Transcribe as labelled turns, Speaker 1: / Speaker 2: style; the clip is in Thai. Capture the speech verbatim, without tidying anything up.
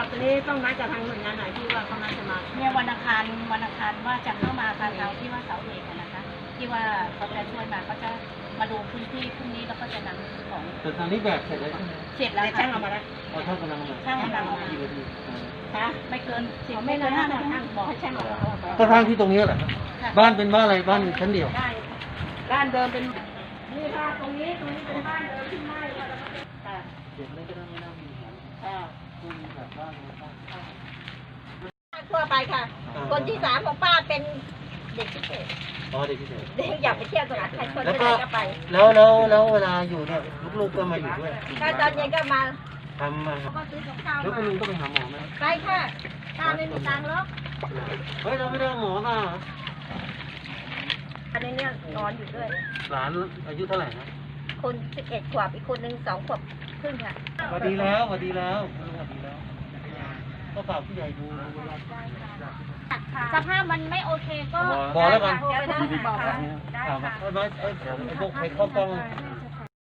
Speaker 1: ตอนนี้ต้องนัดกับทางหน่วยงานไหนที่ว่าเขานัดจะมา
Speaker 2: เนี่ยวันอังคารวันอังคารว่าจะเข้ามาทางเราที่ว่าเสาเอกนะคะที่ว่าเขาจะช่วยมาเขาจะมาดูพื้นที่พรุ่งนี้แล้วก็จะนำของ
Speaker 3: แต่ตอนนี้แบบเสร็จแล้วใช่ไหม
Speaker 2: เสร็จแล้ว
Speaker 1: ช่างเอามาแล้ว
Speaker 3: เอาช่างกำลังมา
Speaker 2: ช่างกำลังเอามา
Speaker 3: กี่นาที
Speaker 1: คะ
Speaker 2: ไม่เกินสิบ
Speaker 1: ไม่เกินห้านาทีบอกให้ช่างเอา
Speaker 3: ก็ทางที่ตรงนี้แหละบ้านเป็นบ้านอะไรบ้านชั้นเดียว
Speaker 1: ได้บ้านเดิมเป็นนี่ค่ะตรงนี้ตรงนี้เป็นบ้านเดิมที่ไหม้ค่ะ
Speaker 3: เด็กไม่ก็ต้องไม่น่ามีปัญหาคุณแบบบ้าน
Speaker 4: ทั่วไปค่ะ คนที่สามของป้าเป็นเด็กพิเศษ
Speaker 3: อ๋อเด็กพิเศษ
Speaker 4: เด็กอยากไปเที่ยวสถานใครคนไม่ได้ก็ไป
Speaker 3: แล้วแล้วแล้วเวลาอยู่เนี่ยลูกๆก็มาอยู่ด้วย
Speaker 4: ถ้าตอนเย็นก็มา
Speaker 3: ทำมา
Speaker 4: ก็ซื้อกับข้าว
Speaker 3: แล้วคุณลุงต้องไปหาหมอไหม
Speaker 4: ไปค่ะป้าไม่มีตังค์หรอก
Speaker 3: เฮ้ยเราไม่ได้หมอมา
Speaker 4: อันนี้เนี่ยนอนอยู่ด้วย
Speaker 3: หลานอายุเท่าไหร่นะ
Speaker 4: คนสิบเอ็ดขวบอีกคนหนึ่งสองขวบครึ่งค่ะ
Speaker 3: สวัสดีแล้วสวัสดีแล้วคุณลุงสวัสดีแล้วก็ฝากผู้ใหญ่ดู
Speaker 2: สภาพมันไม่โอเคก็
Speaker 3: บอกแล้วกัน
Speaker 2: บอกได้ค่ะ
Speaker 3: ถามว่าไอ้ไอ้พวกใครเข้ากล้อง